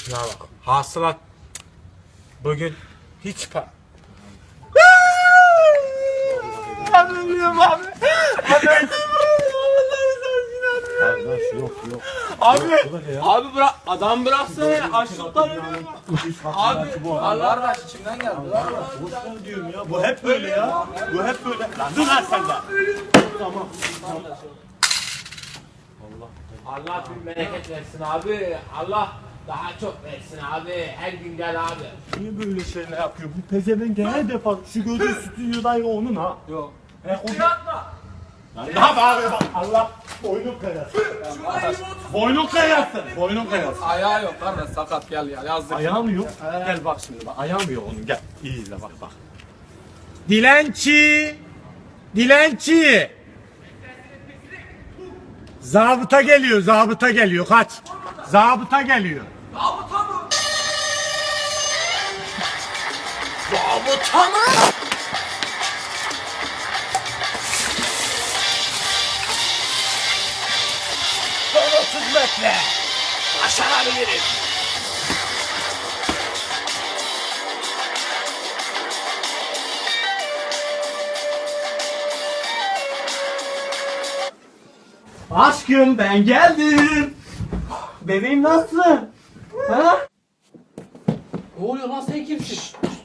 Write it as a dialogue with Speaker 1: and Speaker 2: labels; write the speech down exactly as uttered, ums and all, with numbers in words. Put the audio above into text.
Speaker 1: Şuna bak. Hasılat bugün hiç pa... Abi ölüyorum abi. Abi ölüyorum.
Speaker 2: Kardeş yok yok.
Speaker 1: Abi,
Speaker 2: Bu da ne ya?
Speaker 1: abi bırak, adam bıraksana ya, açlıktan ölüyorum. Abi, Allah
Speaker 3: Kardeş içimden geldi lan.
Speaker 2: Boş ver diyorum ya. Bu hep böyle ya. Bu hep böyle. Lan dur lan sen de. Tamam.
Speaker 1: Allah bin bereket versin abi. Allah daha çok versin abi. Her gün gel abi.
Speaker 2: Niye böyle şeyler yapıyor? Bu pezevenk her defa şu gördüğün stüdyodayı onun ha.
Speaker 3: Yok.
Speaker 2: He o
Speaker 1: Yapma.
Speaker 2: ne yapar bak Allah boynun kayasın. Boynun kayasın. Boynun kayasın.
Speaker 3: Ayağı yok kardeş sakat gel ya yazdık.
Speaker 2: Ayağım yok. Gel bak şimdi bak. Ayağım yok onun. Gel. İyi izle bak bak.
Speaker 1: Dilenci. Dilenci. Zabıta geliyor, zabıta geliyor. Kaç. Zabıta geliyor.
Speaker 3: Zabıta mı?
Speaker 1: Zabıta mı? Son otuz metre. Başarabilirim.
Speaker 2: Aşkım ben geldim. Bebeğim nasılsın? Ha?
Speaker 3: Ne oluyor lan sen kimsin?